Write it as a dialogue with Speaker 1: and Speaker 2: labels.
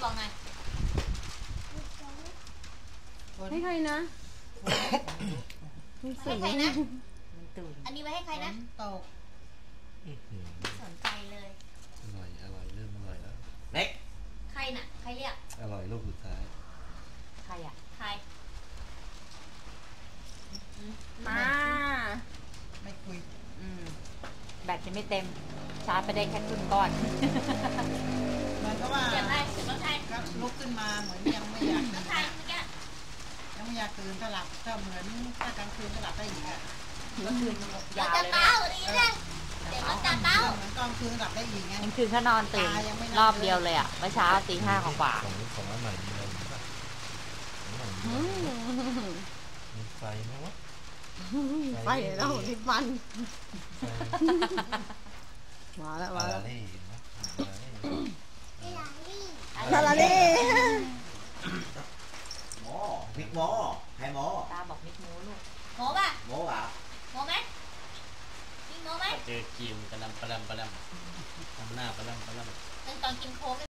Speaker 1: บอกหน่อย
Speaker 2: ให้ใครนะ
Speaker 1: ให้ใครนะอันนี้ไว้ให้ใครนะตกสนใจเลย
Speaker 3: อร่อยเริ่มอร่อยแล้ว
Speaker 4: เน็ก
Speaker 1: ใครน่ะใครเรียก
Speaker 3: อร่อยลูกสุดท้าย
Speaker 1: ใครอ่ะใคร
Speaker 2: มา
Speaker 5: ไม่คุย
Speaker 6: แบตยังไม่เต็มชาร์จไปได้แค่ครึ่งก้อน
Speaker 5: เหมือนกับว่า
Speaker 1: เสียงอะไรเสียงรถไทย
Speaker 5: ครับลุกขึ้นมาเหมือนยังไม่อยาก
Speaker 1: รถไทยเมื่อกี้
Speaker 5: ยังไม่อยากตื่นก็หลับก็เหมือนถ้ากลางคืนก็หลับได้อีกอ่ะ
Speaker 6: ก็คืนยาวเลย
Speaker 1: เนี่ยเสียงรถจับเต้า
Speaker 5: เหมือนกลางคืนหลับได้อีกไง
Speaker 6: มันคือถ้านอนตื่นรอบเดียวเลยอ่ะเมื่อเช้าตี 5กว่า
Speaker 3: ของอันใหม่มีอะไรบ้างมีไฟไหมวะ
Speaker 2: ไฟแล้วนิดมันมาแล้ว
Speaker 3: ลา
Speaker 2: ลา
Speaker 3: ลี่
Speaker 4: หมอพริกหมอใครหมอ
Speaker 6: ตาบอกนิดมูลูก
Speaker 1: โง่ป่ะ
Speaker 4: หมออ่ะ
Speaker 1: โง่ไหมกินโง่ไหม
Speaker 3: เจอกิมกระลำทำหน้ากระลำ
Speaker 1: ตอนกินโค้ก